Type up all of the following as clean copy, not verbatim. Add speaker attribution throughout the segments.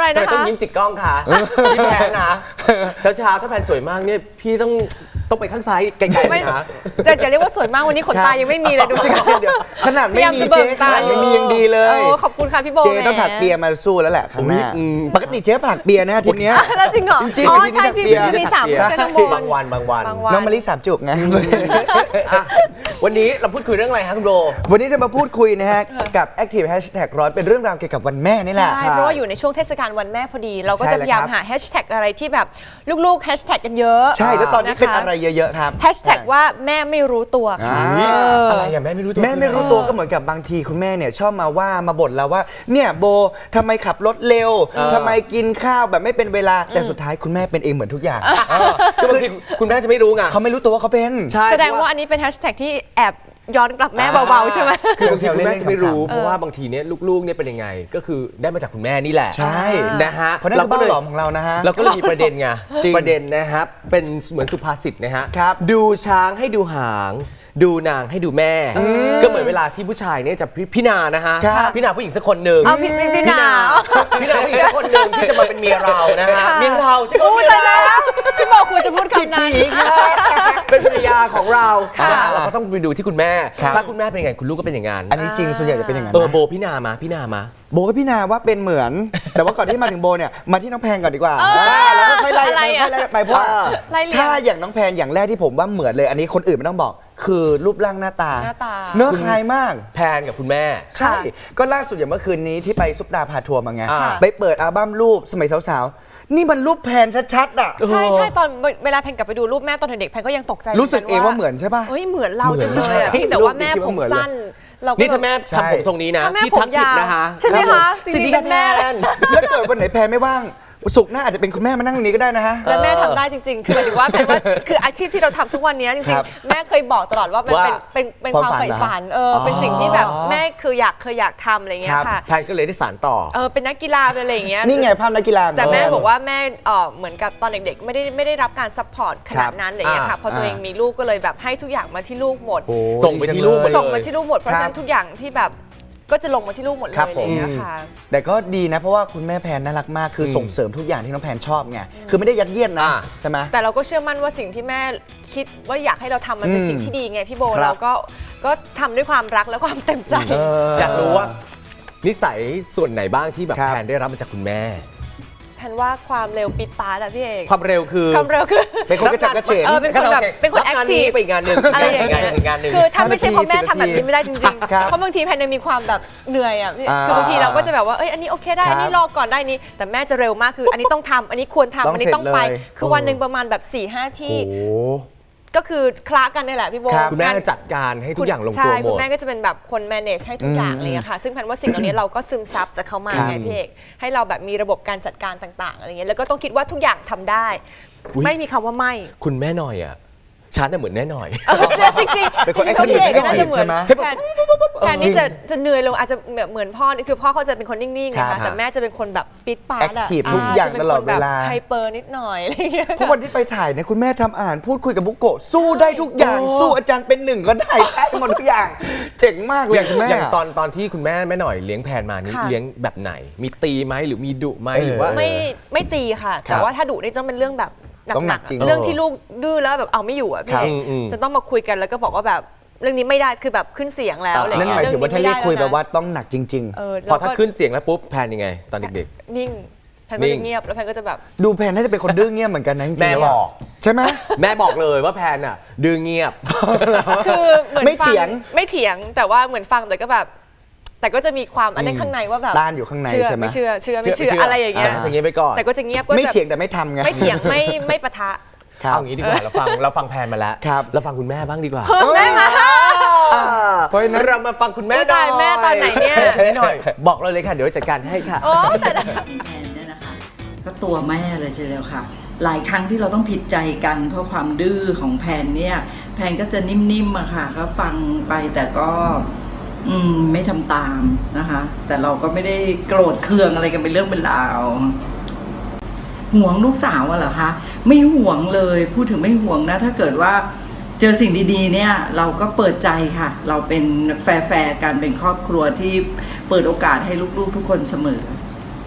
Speaker 1: นะคะ
Speaker 2: ต้องยิ้มจิกกล้องค่ะพี่แพนนะเช้าถ้าแพนสวยมากเนี่ยพี่ต้องไปข้างซ้ายไกลๆนะ
Speaker 1: จะเรียกว่าสวยมากวันนี้ขนตายังไม่มีเลยดูสิคะ
Speaker 3: ขนาดไม่มีเจ๊ขนาดไม่มียังดีเลย
Speaker 1: ขอบคุณค่ะพี่โบ
Speaker 3: เจ๊ต้องถักเปียมาสู้แล้วแหละครั้งหน้าปกติเจ๊ถักเปียนะทีเนี้ย
Speaker 1: แล้วจริงเหรอ
Speaker 3: จริง
Speaker 1: ใช่พี่จะมี3ชุดน้องโบบ
Speaker 2: างวัน
Speaker 3: น้องมะลิ3 จุกไง
Speaker 2: วันนี้เราพูดคุยเรื่องอะไรฮะคุณโบ
Speaker 3: วันนี้จะมาพูดคุยนะฮะกับ Active Hashtag ร้อนเป็นเรื่องราวเกี่ยวกับวันแม่นี่แหละ
Speaker 1: ใช่เพราะว่าอยู่ในช่วงเทศกาลวันแม่พอดีเราก็จะพยายามหาแฮชแท็กอะไรที่แบบลูกๆแฮชแท็กกันเยอะ
Speaker 3: ใช่แล้วตอนนี้เป็นอะไรเยอะๆครับ
Speaker 1: แฮชแท็กว่าแม่ไม่รู้ตัวค่ะ
Speaker 2: อะไรอย่างแม่ไม่รู้ตัว
Speaker 3: แม่ไม่รู้ตัวก็เหมือนกับบางทีคุณแม่เนี่ยชอบมาบ่นเราว่าเนี่ยโบทำไมขับรถเร็วทำไมกินข้าวแบบไม่เป็นเวลาแต่สุดท้ายคุณแม่เป็นเองเหมือนทุกอย่าง
Speaker 2: ก็บางทีคุณแม่จะไม่รู้ไง
Speaker 3: เขาไม่รู้ตัวว่าเขาเป็น
Speaker 1: แสดงว่าอันนี้เป็นแฮชแท็กที่แอบย้อนกลับแม่เบาๆใช่ไหม
Speaker 2: คือบางทีคุณแม่จะไม่รู้เพราะว่าบางทีเนี่ยลูกๆเนี่ยเป็นยังไงก็คือได้มาจากคุณแม่นี่แหละ
Speaker 3: ใช่
Speaker 2: นะฮะ
Speaker 3: เพราะนั่นคือบ้านหลอมของเรานะฮะ
Speaker 2: เราก็เลยมีประเด็นไงประเด็นนะครับเป็นเหมือนสุภาษิตนะฮะดูช้างให้ดูหางดูนางให้ดูแม่ก็เหมือนเวลาที่ผู้ชายเนี่ยจะพี่นานะฮะพี่นาผู้หญิงสักคนหนึ่ง
Speaker 1: พี่นา
Speaker 2: ผู้หญิงสักคนหนึ่งที่จะมาเป็นเมียเรานะฮะเมียเราจะเป็นเมียเรา
Speaker 1: พี่บอกคุณจะพูดคำนั้น
Speaker 2: เป็นภรรยาของเราเราก็ต้องไปดูที่คุณแม่ถ้าคุณแม่เป็นยังไงคุณลูกก็เป็นอย่างนั้น
Speaker 3: อันนี้จริงส่วนใหญ่จะเป็นอย่างนั้น
Speaker 2: โบพี่นามาโบ
Speaker 3: กับพี่นาว่าเป็นเหมือนแต่ว่าก่อนที่มาถึงโบเนี่ยมาที่น้องแพนก่อนดีกว่าแล้วก็ค่อยไล่ไปเพราะถ้าอย่างน้องแพนอย่างแรกที่ผมว่าเหมือนเลยอันนี้คนอื่นไม่ต้องบอกคือรูปร่างหน้าตาเนื้อคล้ายมาก
Speaker 2: แพนกับคุณแม่
Speaker 3: ใช่ก็ล่าสุดอย่างเมื่อคืนนี้ที่ไปซุปดาพาทัวร์มาไงไปเปิดอัลบั้มรูปสมัยสาวๆนี่มันรูปแพนชัดๆอ่ะ
Speaker 1: ใช่ตอนเวลาแพนกลับไปดูรูปแม่ตอนเด็กแพนก็ยังตกใจ
Speaker 3: รู้สึกเองว่าเหมือนใช่ป่ะ
Speaker 1: เหมือนเราจังเลยแต่ว่าแม่ผมสั้น
Speaker 2: นี่ถ้าแม่ทำผมทรงนี้นะพี่ทักผิดนะคะ
Speaker 1: ใช่ไหมคะ
Speaker 2: สิริแพน
Speaker 3: แล้วเกิดวันไหนแพนไม่ว่างสุกหน้าอาจจะเป็นคุณแม่มานั่งตรงนี้ก็ได้นะฮะ
Speaker 1: และแม่ทำได้จริงๆคือหมายถึงว่าแพนว่าคืออาชีพที่เราทำทุกวันนี้จริงๆแม่เคยบอกตลอดว่ามันเป็นความใฝ่ฝันเป็นสิ่งที่แบบแม่คือเคยอยากทำอะไรเงี้ยค่ะ
Speaker 2: แพนก็เลยได้สานต่อ
Speaker 1: เป็นนักกีฬาเป็นอะไรอย่างเงี้ย
Speaker 3: นี่ไงภาพนักกีฬา
Speaker 1: แต่แม่บอกว่าแม่เหมือนกับตอนเด็กๆไม่ได้รับการซัพพอร์ตขนาดนั้นอะไรเงี้ยค่ะพอตัวเองมีลูกก็เลยแบบให้ทุกอย่างมาที่ลูกหมด
Speaker 2: ส่งไปที่ลูก
Speaker 1: หมดเพราะฉะนั้นทุกอย่างที่แบบก็จะลงมาที่ลูกหมดเลยอะไรอย่างเงี้ยค่ะ
Speaker 3: แต่ก็ดีนะเพราะว่าคุณแม่แพนน่ารักมากคือส่งเสริมทุกอย่างที่น้องแพนชอบไงคือไม่ได้ยัดเยียดนะใช่ไหม
Speaker 1: แต่เราก็เชื่อมั่นว่าสิ่งที่แม่คิดว่าอยากให้เราทำมันเป็นสิ่งที่ดีไงพี่โบเราก็ทำด้วยความรักและความเต็มใจ
Speaker 2: อยากรู้ว่านิสัยส่วนไหนบ้างที่แบบแพนได้รับมาจากคุณแม่
Speaker 1: แพนว่าความเร็วปิดปาร์ตอะพี่เอก
Speaker 2: ความเร็วคือ
Speaker 3: เป็นคนกระฉับกระเฉง
Speaker 1: เป็นคนแบบเป็นคนแอคทีฟ
Speaker 2: ไปงานหนึ่ง
Speaker 1: อะไรอย่างเงี้ยคือถ้าไม่ใช่เพราะแม่ทำแบบนี้ไม่ได้จริงๆเพราะบางทีแพนมีความแบบเหนื่อยอะคือบางทีเราก็จะแบบว่าอันนี้โอเคได้อันนี้รอก่อนได้นี้แต่แม่จะเร็วมากคืออันนี้ต้องทำอันนี้ควรทำอันนี้ต้องไปคือวันหนึ่งประมาณแบบ 4-5 ที่ก็คือคละกันนี่แหละพี่โบ
Speaker 2: คุณแม่จัดการให้ทุกอย่างลงตัวหมด
Speaker 1: คุณแม่ก็จะเป็นแบบคน manage ให้ทุกอย่างเลยค่ะซึ่งแพนว่าสิ่งเหล่านี้เราก็ซึมซับจากเขามาไงพี่เอกให้เราแบบมีระบบการจัดการต่างๆอะไรเงี้ยแล้วก็ต้องคิดว่าทุกอย่างทำได้ไม่มีคำว่าไม่
Speaker 2: คุณแม่หน่อยอ่ะฉันน่ะเหมือนแน่หน่อย
Speaker 1: จริงๆ
Speaker 3: เป็นคนแอคทีฟ
Speaker 1: ก็น่าจะเหมือนแทนที่จะเหนื่อยลงอาจจะเหมือนพ่อคือพ่อเขาจะเป็นคนนิ่งๆนะคะแต่แม่จะเป็นคนแบบปิดปาก
Speaker 3: แอคทีฟทุกอย่างตลอดเวลา
Speaker 1: ไฮเปอร์นิดหน่อยอะไรอย่างเงี้ย
Speaker 3: เพราะวันที่ไปถ่ายเนี่ยคุณแม่ทำอาหารพูดคุยกับบุโกะสู้ได้ทุกอย่างสู้อาจารย์เป็นหนึ่งก็ได้หมดทุกอย่างเจ๋งมากเลยคุณแม่
Speaker 2: อย่างตอนที่คุณแม่หน่อยเลี้ยงแพนมานี่เลี้ยงแบบไหนมีตีไหมหรือมีดุไหมหรือว่า
Speaker 1: ไม่ตีค่ะแต่ว่าถ้าดุนี่ต้องเป็นเรื่องแบบหนักๆเรื่องที่ลูกดื้อแล้วแบบเอาไม่อยู่อ่ะพี่จะต้องมาคุยกันแล้วก็บอกว่าแบบเรื่องนี้ไม่ได้คือแบบขึ้นเสียงแล้วอะไรเงี้ย
Speaker 3: นั่นหมายถึงว่าถ้าเรียกคุยแบบว่าต้องหนักจริง
Speaker 2: ๆพอถ้าขึ้นเสียงแล้วปุ๊บแพนยังไงตอนเด็ก
Speaker 1: ๆนิ่งแพนก็จะเงียบแล้วแพนก็จะแบบ
Speaker 3: ดูแพนน่าจะเป็นคนดื้อเงียบเหมือนกันนะ
Speaker 2: แม่บอก
Speaker 3: ใช่ไหม
Speaker 2: แม่บอกเลยว่าแพนอ่ะดื้อเงียบ
Speaker 1: คือเหมือนไม่เถียงแต่ว่าเหมือนฟังแต่ก็แบบแต่ก็จะมีความอันนี้ข้างในว่าแบบ
Speaker 3: ด้านอยู่ข้างในใช่ไหม
Speaker 1: ไม่เชื่ออะไรอย่างเงี้ย
Speaker 2: จะเงียบไปก่อน
Speaker 1: แต่ก็จะเงียบก็
Speaker 3: ไม่เถียงแต่ไม่ทำไง
Speaker 1: ไม่เถียงไม่ปะทะ
Speaker 2: เอางี้ดีกว่าเราฟังแพนมาแล้วเราฟังคุณแม่บ้างดีกว่า
Speaker 1: แม่มา
Speaker 2: เพราะนั้นเรามาฟังคุณแม่หน่อย
Speaker 1: แม่ตอนไหนเนี่ย
Speaker 2: หน่อยบอกเราเลยค่ะเดี๋ยวจัดการให้ค่ะ
Speaker 1: แต่
Speaker 4: แพนเนี่ยนะคะก็ตัวแม่เลยใช่แล้วค่ะหลายครั้งที่เราต้องผิดใจกันเพราะความดื้อของแพนเนี่ยแพนก็จะนิ่มๆอะค่ะก็ฟังไปแต่ก็ไม่ทำตามนะคะแต่เราก็ไม่ได้โกรธเคืองอะไรกันเป็นเรื่องเป็นราวห่วงลูกสาวเหรอคะไม่ห่วงเลยพูดถึงไม่ห่วงนะถ้าเกิดว่าเจอสิ่งดีๆเนี่ยเราก็เปิดใจค่ะเราเป็นแฟร์กันเป็นครอบครัวที่เปิดโอกาสให้ลูกๆทุกคนเสมอ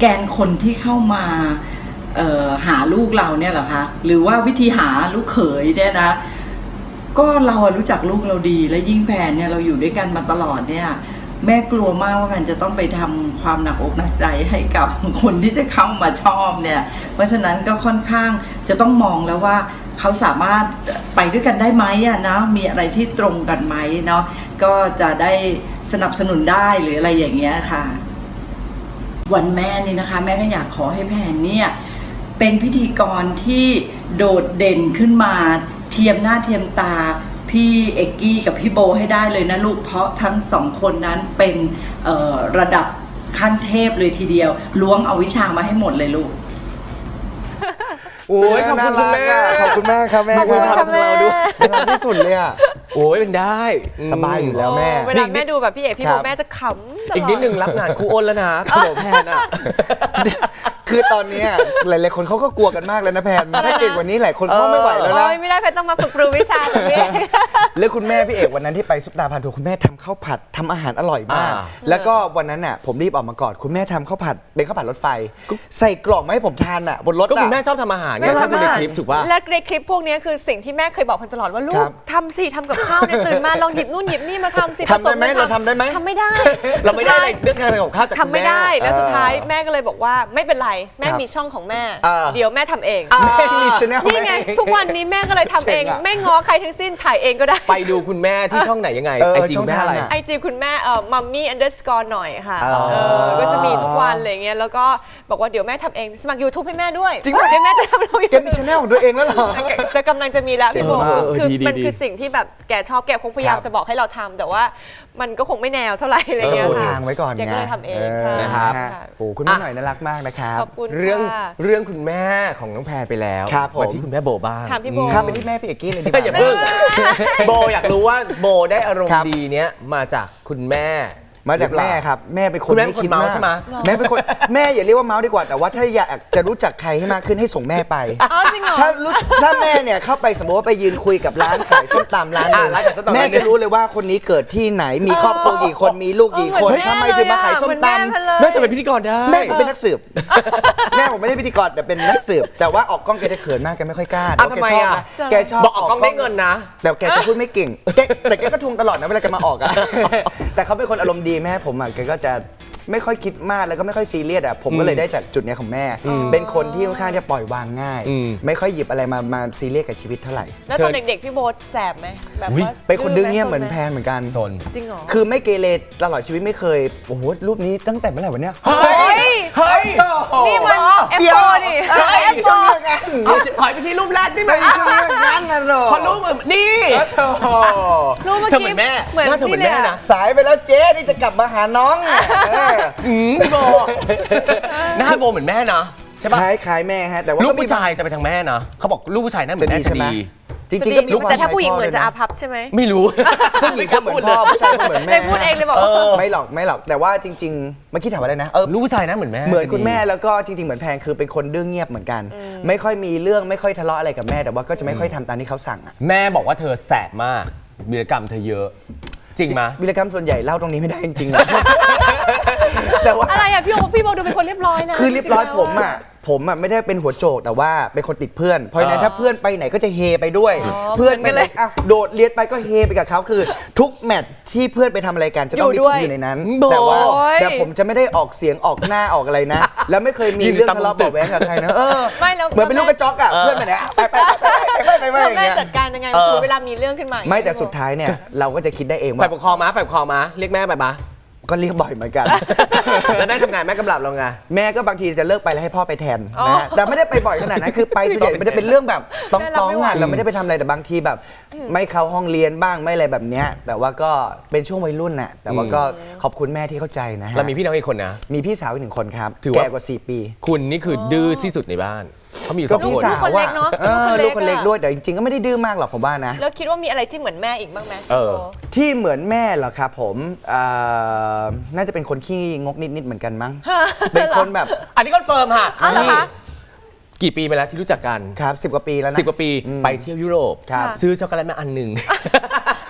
Speaker 4: แกนคนที่เข้ามาหาลูกเราเนี่ยเหรอคะหรือว่าวิธีหาลูกเขยเนี่ยนะก็เรารู้จักลูกเราดีและยิ่งแพนเนี่ยเราอยู่ด้วยกันมาตลอดเนี่ยแม่กลัวมากว่าแพนจะต้องไปทำความหนักอกหนักใจให้กับคนที่จะเข้ามาชอบเนี่ยเพราะฉะนั้นก็ค่อนข้างจะต้องมองแล้วว่าเขาสามารถไปด้วยกันได้ไหมอะนะมีอะไรที่ตรงกันไหมเนาะก็จะได้สนับสนุนได้หรืออะไรอย่างเงี้ยค่ะวันแม่นี่นะคะแม่ก็อยากขอให้แพนเนี่ยเป็นพิธีกรที่โดดเด่นขึ้นมาเทียมหน้าเทียมตาพี่เอกกี้กับพี่โบให้ได้เลยนะลูกเพราะทั้งสองคนนั้นเป็นระดับขั้นเทพเลยทีเดียวล้วงเอาวิชามาให้หมดเลยลูก
Speaker 2: โอ้ยขอบคุณคุณแม่
Speaker 3: ขอบคุณมากครับแม่
Speaker 2: ขอบคุณความของเราด้วย
Speaker 3: น่ารักที่สุดเลยอ่ะ
Speaker 2: โอ้ยเป็นได้
Speaker 3: สบายอยู่แล้วแม่
Speaker 1: เวลาแม่ดูแบบพี่เอกพี่โบแม่จะขำตลอด
Speaker 2: อีกนิดนึงรับงานครูอ้นแล้วนะขนมแพนอ่ะ
Speaker 3: คือตอนเนี้ยหลายๆคนเขาก็กลัวกันมากแล้วนะแพนถ้าเก่งกว่านี้หลายคนเขาไม่ไหวแล้วนะ
Speaker 1: โอ้ยไม่ได้แพนต้องมาฝึกปรือวิชาแบบนี้
Speaker 3: แล้วคุณแม่พี่เอกวันนั้นที่ไปซุปตาพาทัวร์คุณแม่ทำข้าวผัดทำอาหารอร่อยมาก แล้วก็วันนั้นน่ะผมรีบออกมาก่อนคุณแม่ทำข้าวผัดเป็นข้าวผัดรถไฟ ใส่กล่องมาให้ผมทานอ่ะบนรถ
Speaker 2: ก็คุณแม่
Speaker 3: อ่ะ
Speaker 2: ชอบทำอาหารไง
Speaker 1: แม่
Speaker 2: ถ้าดูใน
Speaker 1: ทำอาหาร
Speaker 2: คลิปถูกป่ะ
Speaker 1: และในคลิปพวกนี้คือสิ่งที่แม่เคยบอกพันตลอดว่าลู
Speaker 3: ค
Speaker 1: ก
Speaker 3: รับ
Speaker 1: ทำสิทำกับข้าวเนี่ยตื่นมาลองหยิบนู่นหยิบนี่มาทำสิ
Speaker 3: ทำได้ไหม
Speaker 1: ผส
Speaker 3: เราทำได้ไหม
Speaker 1: ทำไม่ได้
Speaker 2: เราไม่ได้อะไรเรื่องการทำกับข้าวจาก
Speaker 1: ทำไม่ได้
Speaker 2: คุณแม่
Speaker 1: แล้วสุดท้ายแม่ก็เลยบอกว่าไม่เป็นไรแม่
Speaker 3: ครับ
Speaker 1: มีช่องของแม่
Speaker 2: อ่า
Speaker 1: เดี๋ยวแม่ทำเอง
Speaker 3: แม่มีชแนล
Speaker 1: นี่ไงทุกวันนี้แม่ก็เลยทำเอง
Speaker 3: เจ๋งอะ
Speaker 1: ไม่ง้อใครทั้งสิ้นถ่ายเองก็ได้
Speaker 2: ไปดูคุณแม่ที่ช่องไหนยังไง
Speaker 3: เออ
Speaker 2: ไอจี
Speaker 3: ช่อง
Speaker 2: แม่อะไร
Speaker 3: ทางอะ
Speaker 1: ไอจีคุณแม่มัมมี่_หน่อยค่ะ
Speaker 3: อ๋อ
Speaker 1: ก็จะมีทุกวันอะไรเงี้ยแล้วก็บอกว่าเดี๋ยวแม่ทำเองสมัคร YouTube ให้แม่ด้วย
Speaker 3: จริงปะ
Speaker 1: เดี๋ยวแม่จะทำลง
Speaker 3: แกมีชแนลของตัวเองแล้วเหรอ
Speaker 1: จะกำลังจะมีแล้วพี่โบ
Speaker 3: เจ๋งมาก
Speaker 1: คือ
Speaker 2: ดี
Speaker 1: มันคือสิ่งที่แบบแกชอบแกคงพยายาม
Speaker 3: ครับ
Speaker 1: จะบอกให้เราทำแต่ว่ามันก็คงไม่แนวเท่าไหร่อะไรเงี้ย
Speaker 3: ปู
Speaker 1: ค่ะ
Speaker 3: ทางไว้ก่อน
Speaker 1: แกก็เลยทำเองใช่
Speaker 2: นะครับ
Speaker 1: ค่ะ
Speaker 3: โอ้คุณแม่หน่อยน่ารักมากนะครับ
Speaker 1: ขอบคุณ
Speaker 2: เรื่อง
Speaker 1: ค่ะ
Speaker 2: เรื่องคุณแม่ของน้องแพรไปแล้ว
Speaker 3: ครับผม
Speaker 2: มาที่คุณแม่โบบ้าง
Speaker 1: ถามพี่โบ
Speaker 3: ข้ามไปที่แม่พี่เอกกี้เลยดีก
Speaker 2: อย่า
Speaker 3: ว่า
Speaker 2: เพิ่งโบอยากรู้ว่าโบได้อารม
Speaker 3: ครั
Speaker 2: ณ์
Speaker 3: บ
Speaker 2: ดีเนี้ยมาจากคุณแม่
Speaker 3: มาจากแม่ครับแม่เป็นค
Speaker 2: คุ
Speaker 3: น
Speaker 2: ณแม่
Speaker 3: ไม่
Speaker 2: เป็นคน
Speaker 3: คิด
Speaker 2: เมาส์
Speaker 3: มาก
Speaker 2: ใช่ไหม
Speaker 3: แม่เป็นคนแม่อย่าเรียกว่าเมาส์ดีกว่าแต่ว่าถ้าอยากจะรู้จักใครให้มากขึ้นให้ส่งแม่ไป
Speaker 1: อ๋อจริงเหรอ
Speaker 3: ถ้าแม่เนี่ยเข้าไปสมมติว่าไปยืนคุยกับร้านขายส้มตำร้านหนึง
Speaker 2: ร้านขายส้มตำ
Speaker 3: แม่จะรู้เลยว่าคนนี้เกิดที่ไหนมีครอบครัวกี่คนมีลูกกี่คน
Speaker 1: เหมือนแม่
Speaker 3: ทำไมถึงมาขายส้มตำ
Speaker 1: เลย
Speaker 2: แม่จะเป็นพิธีกรได้
Speaker 3: แม่ผมเป็นนักสืบ แม่ผมไม่ได้พิธีกรแต่เป็นนักสืบแต่ว่าออกกล้องแกจะเขินมากแกไม่ค่อยกล้า
Speaker 2: อ้าว
Speaker 3: แต่
Speaker 2: ทำไม
Speaker 3: แกชอบ
Speaker 2: อ่ะ
Speaker 3: นะแกชอบ
Speaker 2: บอกออกกล้องได้เงินนะ
Speaker 3: แต่แกจะพูดไม่เก่งแต่แกก็ทวงตลอดนะเวลาแกมาออกอะ แต่เขาเป็นคนอารมณ์ดีแม่ผมอะแกก็จะไม่ค่อยคิดมากแล้วก็ไม่ค่อยซีเรียสอะผมก็เลยได้จากจุดเนี้ยของแม่ เป็นคนที่ค่อนข้างจะปล่อยวางง่าย
Speaker 2: อืม
Speaker 3: ไม่ค่อยหยิบอะไรมาซีเรียสกับชีวิตเท่าไหร่
Speaker 1: แล้วตอนเด็กๆพี่โบแสบไหมแบบ
Speaker 2: อุ๊ย
Speaker 1: ว่า
Speaker 3: เป็นคนดื้อเงียบ
Speaker 1: ไห
Speaker 3: เหมือนแพนเหมือนกัน
Speaker 2: โซน
Speaker 1: จริงเหรอ
Speaker 3: คือไม่เกเรตลอดชีวิตไม่เคยโอ้โหรูปนี้ตั้งแต่เมื่อไหร่วะเนี่ย
Speaker 1: เฮ้ย
Speaker 2: เฮ้ย
Speaker 1: นี่มัน F4 นี่
Speaker 3: ช่วงนี้งาน
Speaker 2: เอาถอยไปที่รูปแรกได้ไหม
Speaker 3: ช่วงนี้งานนะหรอ
Speaker 2: พอรูปเหมือนนี่
Speaker 1: รูปเมื่อ
Speaker 2: เธอ
Speaker 1: กี้
Speaker 2: เหมือนแม่
Speaker 1: เหมือน
Speaker 2: หน้าเธอเหมือน
Speaker 1: นี่
Speaker 2: แม่
Speaker 1: เลย
Speaker 2: นะ
Speaker 3: สายไปแล้วเจ๊นี่จะกลับมาหาน้องเออ
Speaker 2: พี่โบหน้าโบเหมือนแม่นะใช่ปะ
Speaker 3: คล้ายแม่ฮะแต่ว่า
Speaker 2: ลูก
Speaker 3: มี
Speaker 2: ผู้ชายจะไปทางแม่นะเขาบอกลูกผู้ชายหน้าเหมือนแม่จะดี
Speaker 3: จริงๆก็มีความ
Speaker 1: แต่ถ้าผู้หญิง
Speaker 3: ค
Speaker 1: เห
Speaker 3: ล้
Speaker 1: มื
Speaker 3: ย
Speaker 1: อน
Speaker 3: พ่
Speaker 1: จะ
Speaker 3: ด้
Speaker 1: อา
Speaker 3: วย
Speaker 1: ภัพใช่ไหม
Speaker 2: ไม่รู้
Speaker 3: ผู้หญิงก็เหมือนพ่อผู้ชายก็เหมือนแม่
Speaker 1: เลยพูดเองเลยบอกว่า
Speaker 3: ไม่หรอกแต่ว่าจริงๆเมื่อกี้ถามว่าอะไรนะ
Speaker 2: ลูกผู้ชายหน้าเหมือนแม่
Speaker 3: เหมือนคุณแม่แล้วก็จริงๆเหมือนแพงคือเป็นคนดื้อเงียบเหมือนกัน ไม่ค่อยมีเรื่องไม่ค่อยทะเลาะอะไรกับแม่แต่ว่าก็จะไม่ค่อยทำตามที่เขาสั่งอะ
Speaker 2: แม่บอกว่าเธอแสบมากวีรกรรมเธอเยอะ จริงไหม
Speaker 3: วิรกรรมส่วนใหญ่เล่าตรงนี้ไม่ได้จริงๆนะ แต่ว่า
Speaker 1: อะไรอ่ะพี่โบดูเป็นคนเรียบร้อยนะ
Speaker 3: คือเรียบร้อย
Speaker 1: จงๆ
Speaker 3: ผม
Speaker 1: แล้ว
Speaker 3: อ่ะไม่ได้เป็นหัวโจกแต่ว่าเป็นคนติดเพื่อน เพราะฉะนั้น
Speaker 2: อ่า
Speaker 3: ถ้าเพื่อนไปไหนก็จะเฮไปด้วย
Speaker 1: อ๋อ
Speaker 3: เพื่อนไป
Speaker 1: เหมือนกัน
Speaker 3: ไหน
Speaker 1: เลย
Speaker 3: อ่ะโดดเรียนไปก็เฮไปกับเขาคือ ทุกแมตช์ที่เพื่อนไปทำอะไรกันจะต้องมี
Speaker 1: อยู่
Speaker 3: ผ
Speaker 1: ด้
Speaker 3: ม
Speaker 1: วย
Speaker 3: อยู่ในนั้น
Speaker 2: โอ้ย
Speaker 3: แต่ว่าแต่ผมจะไม่ได้ออกเสียงออกหน้าออกอะไรนะ แล้วไม่เคยมีเรื่องทะเลาะเบาะแว้งกับใครนะ
Speaker 1: ไม่แล้ว
Speaker 3: เหมือนเป็นลูกกระจอกอ่ะเพื่อนไปไหนอ่ะไปอย่าง
Speaker 1: แม่
Speaker 3: เงี้ย
Speaker 1: จัดการยังไงสมมติเวลามีเรื่องขึ้นมาอย่าง
Speaker 3: ไม่
Speaker 1: เงี้ย
Speaker 3: แต่สุดท้ายเนี่ยเราก็จะคิดได้เอง
Speaker 2: ฝ่า
Speaker 3: ว่าย
Speaker 2: ปกครองมาฝ่ายปกครองมาเรียกแม่ไปปะ
Speaker 3: ก็เรียกบ่อยเหมือนกัน
Speaker 2: แล้วแม่ทำงานแม่กำลับเราไง
Speaker 3: แม่ก็บางทีจะเลิกไปแล้วให้พ่อไปแทน
Speaker 1: อ๋อ
Speaker 3: นะฮะแต่ไม่ได้ไปบ่อยขนาดนั้นคือไปส่วนใหญ่มันจะเป็นเรื่องแบบต้อง
Speaker 1: แม่รับไม่ไหว
Speaker 3: งานเราไม่ได้ไปทำอะไรแต่บางทีแบบ ไม่เข้าห้องเรียนบ้างไม่อะไรแบบเนี้ยแต่ว่าก็เป็นช่วงวัยรุ่นน่ะแต่ว่าก็ขอบคุณแม่ที่เข้าใจนะฮะ
Speaker 2: เรามีพี่น้องอีกคนนะ
Speaker 3: มีพี่สาวอีก1 คนครับ
Speaker 2: ถือว่า
Speaker 3: แก่กว่า4 ปี
Speaker 2: คุณนี่คือดื้อที่สุดในบ้านเขามีอยู่
Speaker 3: ก็
Speaker 2: สอง
Speaker 3: พี่
Speaker 2: คน
Speaker 3: สาว
Speaker 1: คนเล็กเนอะ
Speaker 3: ลูกคนเล็ก
Speaker 1: อะ
Speaker 3: ด้วยแต่จริงๆก็ไม่ได้ดื้อมากหรอกผมว่านะ
Speaker 1: แล้วคิดว่ามีอะไรที่เหมือนแม่อีกบ้างไหม
Speaker 2: เออ
Speaker 3: ที่เหมือนแม่เหรอครับผมน่าจะเป็นคนขี้งกนิดๆเหมือนกันมั้งเป็นคนแบบ
Speaker 2: อันนี้คอนเฟิร์มค่ะ
Speaker 1: อ๋อเหรอคะ
Speaker 2: กี่ปีมาแล้วที่รู้จักกัน
Speaker 3: ครับ10 กว่าปีแล้วนะ
Speaker 2: 10 กว่าปีไปเที่ยวยุโรป
Speaker 3: ครับ
Speaker 2: ซื้อช็อกโกแลตมาอันหนึ่ง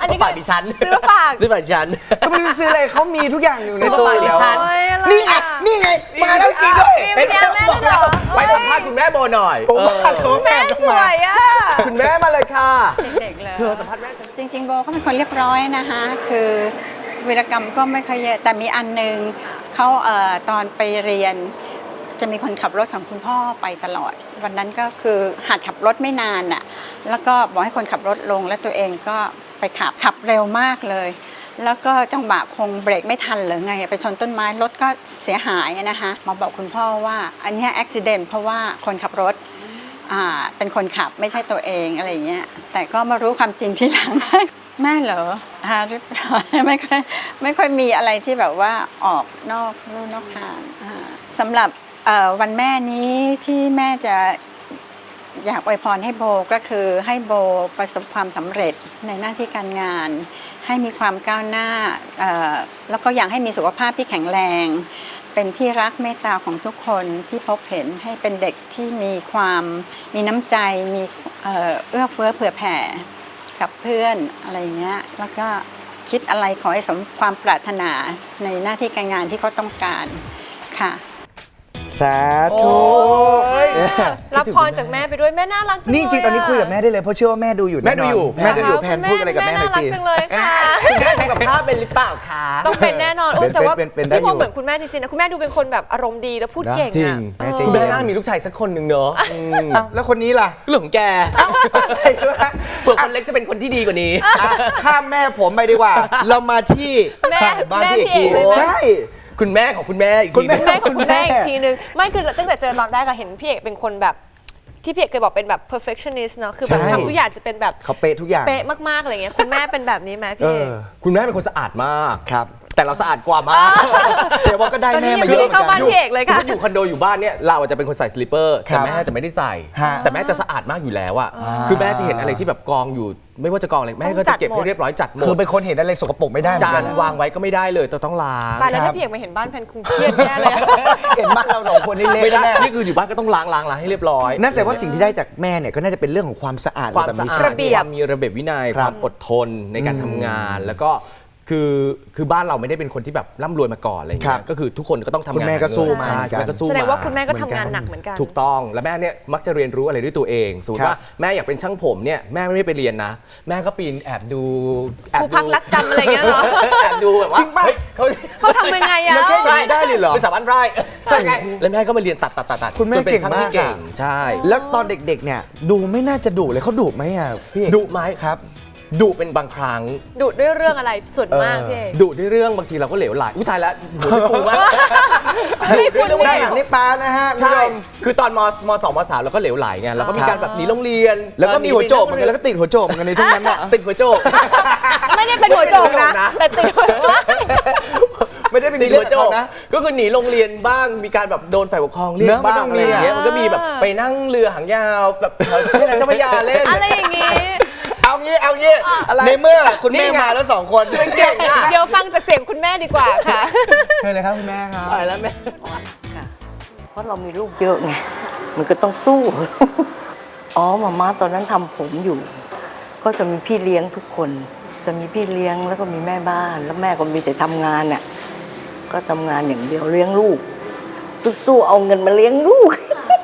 Speaker 1: อันนี้
Speaker 2: ฝากดิฉัน
Speaker 1: ซื้อมาฝาก
Speaker 2: ซื้อฝากดิฉัน
Speaker 3: ก็ไม่รู้ซื้ออะไรเขามีทุกอย่างอยู่ใน
Speaker 2: ซื้อ
Speaker 3: ตัว
Speaker 2: มาฝากดิ
Speaker 3: แล้ว
Speaker 2: ฉัน
Speaker 1: โอ้ยอะไร
Speaker 3: นี่ไง
Speaker 1: อ่ะ
Speaker 3: นี่ไงมาแล้วจริงด้วย
Speaker 1: มีวิญญาณแม่ด้วยเหรอ
Speaker 2: ไปสัมภาษณ์คุณแม่โบหน่อย
Speaker 3: โอ้โหแม่
Speaker 1: แม่
Speaker 3: ต้อง
Speaker 1: ส
Speaker 3: มา
Speaker 1: วยอ่ะ
Speaker 2: คุณแม่มาเลยค่ะ
Speaker 5: เด็กๆเลย
Speaker 2: เธอสัมภาษณ์แม่ฉัน
Speaker 5: จริงๆโบก็เป็นคนเรียบร้อยนะคะคือวีรกรรมก็ไม่ค่อยเยอะแต่มีอันหนึงเขาตอนไปเรียนจะมีคนขับรถของคุณพ่อไปตลอด วันนั้นก็คือหัดขับรถไม่นานน่ะแล้วก็บอกให้คนขับรถลงแล้วตัวเองก็ไปขับเร็วมากเลย แล้วก็จังหวะคงเบรกไม่ทันหรือไงไปชนต้นไม้รถก็เสียหายนะคะมาบอกคุณพ่อว่าอันเนี้อุบิเหตุเพราะว่าคนขับรถเป็นคนขับไม่ใช่ตัวเองอะไรอย่างเงี้ยแต่ก็มารู้ความจริงทีหลัง แม่เหรอเรียบร้อยไม่ค่อยมีอะไรที่แบบว่าออกนอกลู่นอกทางสำหรับวันแม่นี้ที่แม่จะอยากอวยพรให้โบก็คือให้โบประสบความสำเร็จในหน้าที่การงาน ให้มีความก้าวหน้าแล้วก็อยากให้มีสุขภาพที่แข็งแรง เป็นที่รักเมตตาของทุกคนที่พบเห็นให้เป็นเด็กที่มีน้ำใจมีเอื้อเฟื้อเผื่อแผ่กับเพื่อนอะไรเงี้ยแล้วก็คิดอะไรขอให้สมความปรารถนาในหน้าที่การงานที่เขาต้องการค่ะ
Speaker 3: สาธุ
Speaker 1: รับพรจากแม่ไปด้วยแม่น่ารักจังเลย
Speaker 3: นี่จริงๆตอนนี้คุยกับแม่ได้เลยเพราะเชื่อว่าแม่ดูอยู่
Speaker 2: แม่ดูอยู่
Speaker 3: แม่ดูอยู่แพนพูดอะไรกับแม่หน่อยสิ
Speaker 1: น่ารักจังเลยค่ะ
Speaker 2: คุณแม่ทำกับข้าวเป็นหรือเปล่าคะ
Speaker 1: ต้องเป็นแน่นอน
Speaker 3: เป็น
Speaker 1: แต่ว่า
Speaker 3: เป็นได้
Speaker 1: พี่โบ
Speaker 3: อยู่
Speaker 1: เหมือนคุณแม่จริงๆนะคุณแม่ดูเป็นคนแบบอารมณ์ดีแล้วพูดเก่ง
Speaker 3: จริง
Speaker 1: อ่ะ
Speaker 3: แม่จริง
Speaker 2: คุณแม่น่ามีลูกชายสักคนหนึ่งเนอะ
Speaker 3: อ้าวแล้วคนนี้ล่ะ
Speaker 2: เรื่องของแกเผื่อคนเล็กจะเป็นคนที่ดีกว่านี้
Speaker 3: ข้ามแม่ผมไปดีกว่า เรามาที่
Speaker 1: แม่
Speaker 3: ฝั่งบ้าน
Speaker 1: แม่
Speaker 3: พี่เอก
Speaker 1: พี่เอกเลยไหม
Speaker 3: ใช่
Speaker 2: คุณแม่ของคุณแม่อีก
Speaker 3: คุณ
Speaker 2: ที
Speaker 3: แม่
Speaker 2: นึง
Speaker 1: แม่ของคุณแม่อีกทีนึงไม่คือตั้งแต่เจอตอนแรกก็เห็นพี่เอกเป็นคนแบบที่พี่เอกเคยบอกเป็นแบบ perfectionist เนาะคือแบบ
Speaker 3: ใช่
Speaker 1: ทำทุกอย่างจะเป็นแบบ
Speaker 3: เขาเป๊ะทุกอย่าง
Speaker 1: เป๊ะมากๆอะไรเงี้ยคุณแม่เป็นแบบนี้ไหมพี่เอก
Speaker 2: คุณแม่เป็นคนสะอาดมาก
Speaker 3: ครับ
Speaker 2: แต่เราสะอาดกว่ามาก
Speaker 3: เสียว่าก็ได้
Speaker 1: ตอนนี้
Speaker 3: แม่
Speaker 1: ยัง
Speaker 3: มา
Speaker 1: ไม่
Speaker 3: เย
Speaker 1: ได้
Speaker 3: อะเหมือน
Speaker 1: เข้าบ้าน
Speaker 3: กัน
Speaker 1: พี่เอกเลย
Speaker 2: สม
Speaker 1: ค่ะ
Speaker 2: มติอยู่คอนโดอยู่บ้านเนี่ยเราอาจจะเป็นคนใส่สลิปเปอร์
Speaker 3: ครั
Speaker 2: แต่
Speaker 3: บ
Speaker 2: แม่จะไม่ได้ใส่
Speaker 3: ฮะ
Speaker 2: แต่แม่จะสะอาดมากอยู่แล้วอะคือแม่จะเห็นอะไรที่แบบกองอยู่ ไม่ว่าจะกองอะไรแม่ก็จะเก็บให้เรียบร้อยจัดหม
Speaker 3: คือ
Speaker 2: ด
Speaker 3: เป็นคนเห็นอะไรสกปรกไม่ได้เหมือ
Speaker 2: จาน
Speaker 3: กัน
Speaker 2: วางไว้ก็ไม่ได้เลยต้องล้าง
Speaker 1: ตายแล้ว
Speaker 3: ครั
Speaker 1: ถ้า
Speaker 3: บ
Speaker 1: พี่เอกมาเห็นบ้านแพนคงเครียดแย่เลยอะ
Speaker 3: เห็นบ้านเราสองคนนี่เละ
Speaker 2: ไม่ได้
Speaker 3: แน่
Speaker 2: นี่คืออยู่บ้านก็ต้องล้างให้เรียบร้อย
Speaker 3: นั่นแสดงว่าสิ่งที่ได้จากแม่เนี่ยก็น่าจะเป็นเรื่องของความสะอาด
Speaker 2: ความ
Speaker 3: แบบ
Speaker 2: สะ
Speaker 3: นี้
Speaker 2: อา
Speaker 3: ใช่
Speaker 2: ด
Speaker 3: ไหม
Speaker 1: ระเบียบ
Speaker 2: ความมีระเบียบวินัย
Speaker 3: ค
Speaker 2: ครับ วามอดทนในการทำงานแล้วก็คือบ้านเราไม่ได้เป็นคนที่แบบร่ำรวยมาก่อนอะไรอย่าง
Speaker 3: ครั
Speaker 2: เงี้
Speaker 3: บ
Speaker 2: ยก็คือทุกคนก็ต้องทำงาน
Speaker 3: คุณแม่ก็สู้มา
Speaker 2: ใช่
Speaker 3: เหมือนกัน
Speaker 2: คุณแม่ก็สู้
Speaker 1: แสดงว่าคุณแม่ก็
Speaker 3: เหมื
Speaker 1: ทำ
Speaker 3: อนกัน
Speaker 1: งานหนักเหมือนกัน
Speaker 2: ถูกต้องแล้วแม่เนี่ยมักจะเรียนรู้อะไรด้วยตัวเองสมมติ
Speaker 3: ครับ
Speaker 2: ว่าแม่อยากเป็นช่างผมเนี่ยแม่ไม่ได้ไปเรียนนะ แม่ก็ปีนแอบดู
Speaker 1: ครูพักรักจำอะไรเงี้ยเหรอ
Speaker 2: แอบดูแบบว่า
Speaker 3: จริงป่ะ
Speaker 2: เฮ้ยเขา
Speaker 1: เขาทำยังไงอะ
Speaker 3: แล้วแค่อย่างนี้ได้เลยเหรอ
Speaker 2: เป็นสาวบ้านไร่แล้วแม่ก็มาเรียนตัด
Speaker 3: คุณแม่
Speaker 2: จนเป็นช่างที่
Speaker 3: เก่
Speaker 2: เก่
Speaker 3: ง
Speaker 2: ง
Speaker 3: มากอะ
Speaker 2: ใช่
Speaker 3: แล้วตอนเด็กๆเนี่ยดูไม่น่าจะดุเลยเขาดุไหมอ่ะพี่เอก
Speaker 2: ดุไหม
Speaker 3: ครับ
Speaker 2: ดุเป็นบางครั้ง
Speaker 1: ดุด้วยเรื่องอะไรส่วนมากพี่เอก
Speaker 2: ดุด้วยเรื่องบางทีเราก็เหลวไหลอุ้ยตายแล้วหัวจะฟูมาก
Speaker 1: ไม่คุณ
Speaker 2: ดุด้วย
Speaker 3: ด้าน
Speaker 2: เรื่อง
Speaker 3: หลังนี่ปลานะฮะ
Speaker 2: ใช่
Speaker 3: คุณผู้ชม
Speaker 2: คือตอนมสองมสามเราก็เหลวไหลไงเราก็มีการแบบหนีโรงเรียน
Speaker 3: แล้วก็มีหัวโจกเหมือนกันแล้วก็ติดหัวโจกเหมือนกันในช่วงนั้นอ่ะ
Speaker 2: ติดหัวโจก
Speaker 1: ไม่ได้เป็นหัวโจกนะ แต่ติดหัว
Speaker 3: ไม่ได้เป็น
Speaker 2: ติด
Speaker 3: เรื่
Speaker 2: หั
Speaker 3: อ
Speaker 2: ว
Speaker 3: ง
Speaker 2: โจ
Speaker 3: ข
Speaker 2: ก
Speaker 3: องนะ
Speaker 2: ก็คือหนีโรงเรียนบ้างมีการแบบโดนฝ่ายปกครองเรียก
Speaker 3: เนอะมัน
Speaker 2: บ้า
Speaker 3: ต้อง ง
Speaker 2: อะไรอย่างเงี้ย
Speaker 3: มีอะ
Speaker 2: มันก็มีแบบไปนั่งเรือหางยาวแบบให้นางเจ้าพระยาเล่น
Speaker 1: อะไรอย่างงี้
Speaker 3: เอางี้
Speaker 2: อะไร
Speaker 3: ในเมื่อคุณ
Speaker 2: นี่
Speaker 3: แม่
Speaker 2: ไง
Speaker 3: มาแล้วสองคน
Speaker 2: เก่งอ่ะ
Speaker 1: เดี๋ยวฟังจากเสียงคุณแม่ดีกว่าค่ะ
Speaker 3: เชิญเลยครับคุณแม่ครับ
Speaker 2: ตายแล้วแม่
Speaker 6: ค่ะเพราะเรามีลูกเยอะไง มันก็ต้องสู้ อ๋อมาม่าตอนนั้นทำผมอยู่ ก็จะมีพี่เลี้ยงทุกคน จะมีพี่เลี้ยงแล้วก็มีแม่บ้าน แล้วแม่ก็มีแต่ทำงานน่ะ ก็ทำงานอย่างเดียวเลี้ยงลูก สู้ๆเอาเงินมาเลี้ยงลูก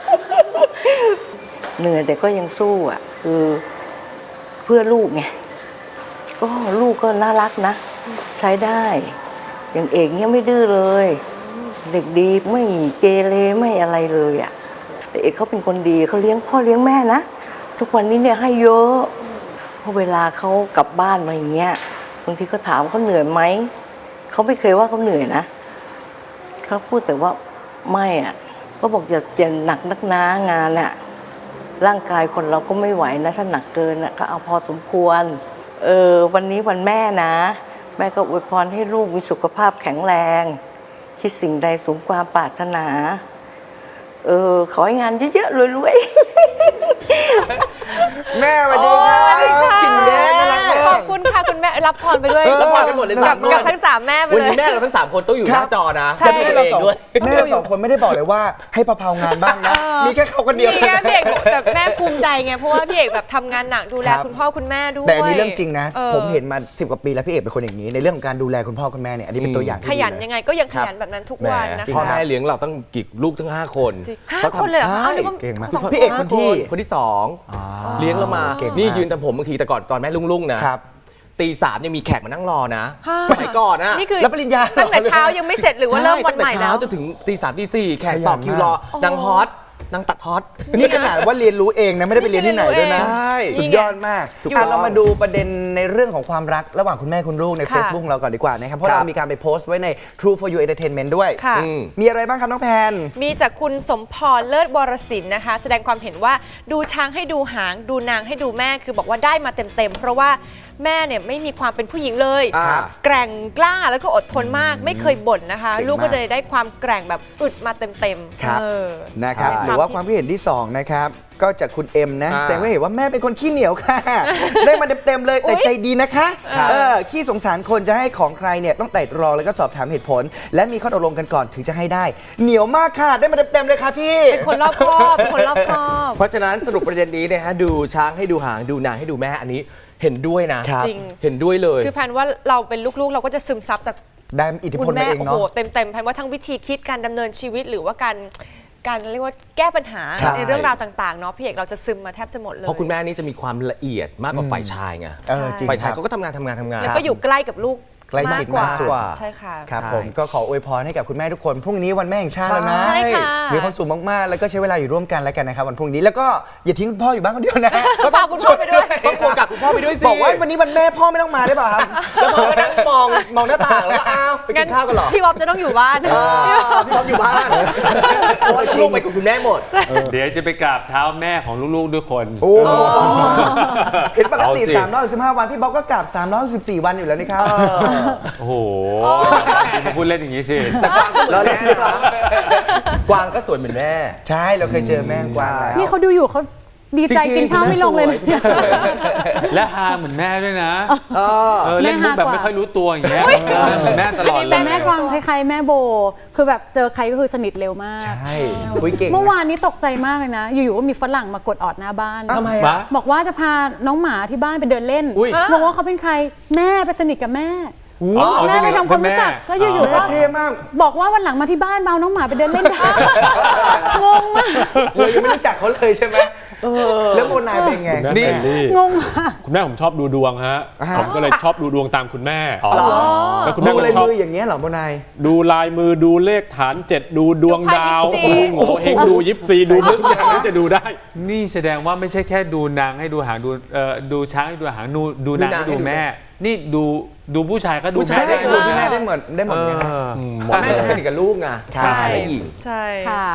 Speaker 6: เหนื่อยแต่ก็ยังสู้อ่ะ คือเพื่อลูกไง ก็ลูกก็น่ารักนะ ใช้ได้ อย่างเอกเนี่ยไม่ดื้อเลย เด็กดีไม่เกเรไม่อะไรเลยอ่ะแต่เอกเขาเป็นคนดีเขาเลี้ยงพ่อเลี้ยงแม่นะทุกวันนี้เนี่ยให้เยอะเพราะเวลาเขากลับบ้านมาอย่างเงี้ยบางทีก็ถามเขาเหนื่อยไหมเขาไม่เคยว่าเขาเหนื่อยนะเขาพูดแต่ว่าไม่อ่ะก็บอกอย่าหนักนักหนางานอ่ะร่างกายคนเราก็ไม่ไหวนะถ้าหนักเกินอ่ะก็เอาพอสมควรวันนี้วันแม่นะแม่ก็อวยพรให้ลูกมีสุขภาพแข็งแรงคิดสิ่งใดสมความปรารถนาขอให้งานเยอะๆรวยๆ
Speaker 3: แม่สวัสดีครับ
Speaker 1: สวัสดีค่ะ
Speaker 3: กินแม่น่ารักมาก
Speaker 1: ขอบคุณค่ะคุณแม่รับพรไปด้วย
Speaker 2: ละครกันหมดเลย
Speaker 1: กับ
Speaker 2: 3 คน
Speaker 1: กับทั้ง3แม่ไป
Speaker 2: วัน
Speaker 1: เลย
Speaker 2: นี้แม่เราทั้ง3คนต้องอยู่หน้าจอนะ
Speaker 1: ใช่
Speaker 2: จะดู
Speaker 3: แม่
Speaker 2: ตัว
Speaker 3: เรา
Speaker 2: เอง
Speaker 3: สอง
Speaker 2: ด้วย
Speaker 3: แม่เราสองคนไม่ได้บอกเลยว่าให้เผาๆงานบ้างนะ มีแค่เขาคนเดียว
Speaker 1: มีแค่พี่เอกแต่แม่ภูมิใจไงเพราะว่าพี่เอกแบบทำงานหนักดูแล
Speaker 3: ครับ
Speaker 1: คุณพ่อคุณแม่ด้วย
Speaker 3: แต่อันนี้เรื่องจริงนะ
Speaker 1: ออ
Speaker 3: ผมเห็นมา10 กว่าปีแล้วพี่เอกเป็นคนอย่างนี้ในเรื่องของการดูแลคุณพ่อคุณแม่เนี่ยอันนี้เป็นตัวอย่างที่
Speaker 1: ขยัน
Speaker 3: ดีเล
Speaker 1: ยังไงก็ยังขยันแบบนั้นทุกวันนะ
Speaker 2: แหมพ่อ
Speaker 1: คะ
Speaker 2: แม่เลี้ยงเราตั้งกี่ลูกทั้ง5 คน
Speaker 1: จริงห้าคนเลยเหรอคะ
Speaker 2: ใช่
Speaker 1: เอานึกว่า
Speaker 3: เก่งมาก
Speaker 1: สอง
Speaker 3: พี่เอกคนที่
Speaker 2: คนที่2เลี้ยงเรามา
Speaker 3: เก่งมาก
Speaker 2: นี่ยืนแต่ผมบางทีแต่ก่อนตอนแม่ลุ่งๆนะครับ ตี3ยังมีแขกมานั่งรอนะ
Speaker 1: ฮะ
Speaker 2: สมัยก่อนนะ
Speaker 1: นี่คือ
Speaker 3: รับปริญญา
Speaker 1: ตั้งแต่เช้ายังไม่เสร็จหรือว่าเริ่มวันใหม่
Speaker 2: ตั้งต่
Speaker 1: แล้
Speaker 2: เช้าว จนถึงตี 3 ตี 4แขกต่อคิวรอ
Speaker 1: โอ้
Speaker 2: นางฮอตนางตัดฮอต
Speaker 3: นี่ขนาดว่าเรียนรู้เองนะไม่ได้ไปเรียนที่ไหนด้วยนะ
Speaker 2: ใช่
Speaker 3: สุดยอดมาก
Speaker 1: ถูก
Speaker 3: อ่ะ
Speaker 1: ต้อง
Speaker 3: เรามาดูประเด็นในเรื่องของความรักระหว่างคุณแม่คุณลูกใน
Speaker 1: ค่ะ
Speaker 3: Facebook เราก่อนดีกว่านะครับเพราะ
Speaker 2: ครับ
Speaker 3: เรามีการไปโพสต์ไว้ใน True for You Entertainment ด้วย
Speaker 1: ค่ะ
Speaker 3: มีอะไรบ้างครับน้องแพน
Speaker 1: มีจากคุณสมพรเลิศวรศิลป์นะคะ แสดงความเห็นว่าดูช้างให้ดูหางดูนางให้ดูแม่คือบอกว่าได้มาเต็มๆเพราะว่าแม่เนี่ยไม่มีความเป็นผู้หญิงเลย
Speaker 3: ครับ
Speaker 1: แกร่งกล้าแล้วก็อดทนมากไม่เคยบ่นนะคะ
Speaker 3: เก่งมาก
Speaker 1: ลูกก็เลยได้ความแกร่งแบบอึดมาเต็มๆ
Speaker 3: ครับ
Speaker 1: เออ
Speaker 3: นะครับ
Speaker 1: ใช่
Speaker 3: หรือว่าความคิดเห็นที่2นะครับก็จากคุณเอ็มนะ
Speaker 2: อ่า
Speaker 3: แสดงว่าเห็นว่าแม่เป็นคนขี้เหนียวค่ะ ได้มาเต็มๆเลยแต่ใจดีนะคะ
Speaker 1: ครับ
Speaker 3: ขี้สงสารคนจะให้ของใครเนี่ยต้องไต่ตรองแล้วก็สอบถามเหตุผล และมีข้อตกลงกันก่อนถึงจะให้ได้ เหนียวมากค่ะได้มาเต็มๆเลยค่ะพี่
Speaker 1: เป็นคนรอบคอบเป็นคนรอบคอบ
Speaker 2: เพราะฉะนั้นสรุปประเด็นนี้นะฮะดูช้างให้ดูหางดูนางให้ดูแม่อันนี้เห็นด้วยนะครับ
Speaker 1: จริง
Speaker 2: เห็นด้วยเลย
Speaker 1: คือแพนว่าเราเป็นลูกๆ เราก็จะซึมซับจาก
Speaker 3: ได้อิทธิพ
Speaker 1: คุ
Speaker 3: ล
Speaker 1: ณ
Speaker 3: มา
Speaker 1: แม่
Speaker 3: เอง
Speaker 1: โอ้
Speaker 3: เนาะ
Speaker 1: โหเต็มๆแพนว่าทั้งวิธีคิดการดำเนินชีวิตหรือว่าการเรียกว่าแก้ปัญหา
Speaker 2: ใช่
Speaker 1: ในเรื่องราวต่างๆเนาะพี่เอกเราจะซึมมาแทบจะหมดเลย
Speaker 2: เพราะคุณแม่นี่จะมีความละเอียดมากกว่าฝ่ายชายไง
Speaker 3: เออจริง
Speaker 2: ฝ่ายชาย
Speaker 3: ครับ
Speaker 2: เขาก็ทำงาน
Speaker 1: แล้วก็อยู่ใกล้กับลูก
Speaker 3: ใกล้ชิด
Speaker 1: กว่าม
Speaker 3: ากสุด
Speaker 1: ใช่ค่ะ
Speaker 3: ครับ
Speaker 2: ใช่
Speaker 3: ผมก็ขออวยพรให้กับคุณแม่ทุกคนพรุ่งนี้วันแม่แห่งชาติแล้วนะ
Speaker 1: ใช่ค่ะ
Speaker 3: มีความสุขมากๆแล้วก็ใช้เวลาอยู่ร่วมกันแล้วกันนะครับวันพรุ่งนี้แล้วก็อย่าทิ้งคุณพ่ออยู่บ้านคนเดียวนะ
Speaker 1: ก็พาคุณพ่อไปด้วย
Speaker 2: ต้องควงกลับคุณพ่อไปด้วยสิ
Speaker 3: บอกว่าวันนี้วันแม่พ่อไม่ต้องมาได้ป่ะครับ
Speaker 2: แล้วพ่อก็นั่งมองหน้าต่างแล้วก็อ้าวไปกินข้าวกันเหรอ
Speaker 1: พี่บ๊อบจะต้องอยู่บ้าน
Speaker 2: พี่บ๊อบอยู่บ้านเพราะว่าลูกไปกับคุณแม่หมด
Speaker 7: เดี๋ยวจะไปกราบเท้าแม่ของลูกๆด้วยคน
Speaker 3: โอ้เห็นปกติ
Speaker 7: เอาสิ
Speaker 3: 315 วันพี่บ๊อบก็กลับ314 วันอยู่แล้วนี่ครับ
Speaker 7: โอ้โหมาพูดเล่นอย่างนี้สิ
Speaker 3: เราเล่นดีกว่าก
Speaker 2: วางก็สวยเหมือนแม่
Speaker 3: ใช่เราเคยเจอแม่กวางแล้ว
Speaker 8: นี่เขาดูอยู่เขาดีใจกินข้าวไม่ลงเลยนะ
Speaker 7: และฮาเหมือนแม่ด้วยนะ
Speaker 2: เออ
Speaker 7: เล่นมุกแบบ
Speaker 8: แม่ฮากว่า
Speaker 7: ไม่ค่อยรู้ตัวอย่างเงี้ยเหมือนแม่ตลอดเล
Speaker 8: แต่
Speaker 7: ย
Speaker 8: แม่กวางคล้ายๆแม่โบ คือแบบเจอใครก็คือสนิทเร็วมาก
Speaker 3: ใช่คุยเก่ง
Speaker 8: เมื่อวานนี้ตกใจมากเลยนะ อยู่ๆก็มีฝรั่งมากดออดหน้าบ้าน
Speaker 3: ทำไม
Speaker 7: มา
Speaker 3: อ่ะ
Speaker 8: บอกว่าจะพาน้องหมาที่บ้านไปเดินเล่น
Speaker 7: อุ๊ย
Speaker 8: บอกว่าเขาเป็นใครแม่ไปสนิทกับแม่
Speaker 7: อ๋อ
Speaker 8: แม่ไปทำความรู้จักแล้วอยู่ๆก็
Speaker 3: เท่มาก
Speaker 8: บอกว่าวันหลังมาที่บ้านมาเอาน้องหมาไปเดินเล่นได้งงมาก
Speaker 3: เรายังไม่รู้จักเขาเลยใช่ไหมแล้วโมนายเป็นไง
Speaker 7: นี่
Speaker 8: งงมาก
Speaker 9: คุณแม่ผมชอบดูดวงฮะ ผมก็เลยชอบดูดวงตามคุณแม่
Speaker 7: อ๋อ
Speaker 9: แล้วคุณ
Speaker 3: ดู
Speaker 9: แม่ก็
Speaker 3: เลย
Speaker 9: ชอบ
Speaker 3: มืออย่างเงี้ยเหรอโมนาย
Speaker 9: ดูลายมือดูเลขฐาน 7 ดูดวงดาว
Speaker 1: ดูไพ่
Speaker 9: โอ้โหเฮงดูยิปซีดูทุกอย่างที่จะดูได้
Speaker 7: นี่แสดงว่าไม่ใช่แค่ดูนางให้ดูหางดูช้างให้ดูหางดูนางให้ดูแม่ นี่ดูผู้ชายก็ดู
Speaker 2: ผู้ชาย
Speaker 7: แม่
Speaker 3: ได้
Speaker 7: ได้
Speaker 3: ดูที่แม่
Speaker 7: นะ
Speaker 3: ได้เหมือนกันนะ
Speaker 2: เพราะแม่จะสนิทกับลูกไง
Speaker 3: ครับ
Speaker 2: ชายและหญิง
Speaker 1: ใช่
Speaker 8: ค่ะ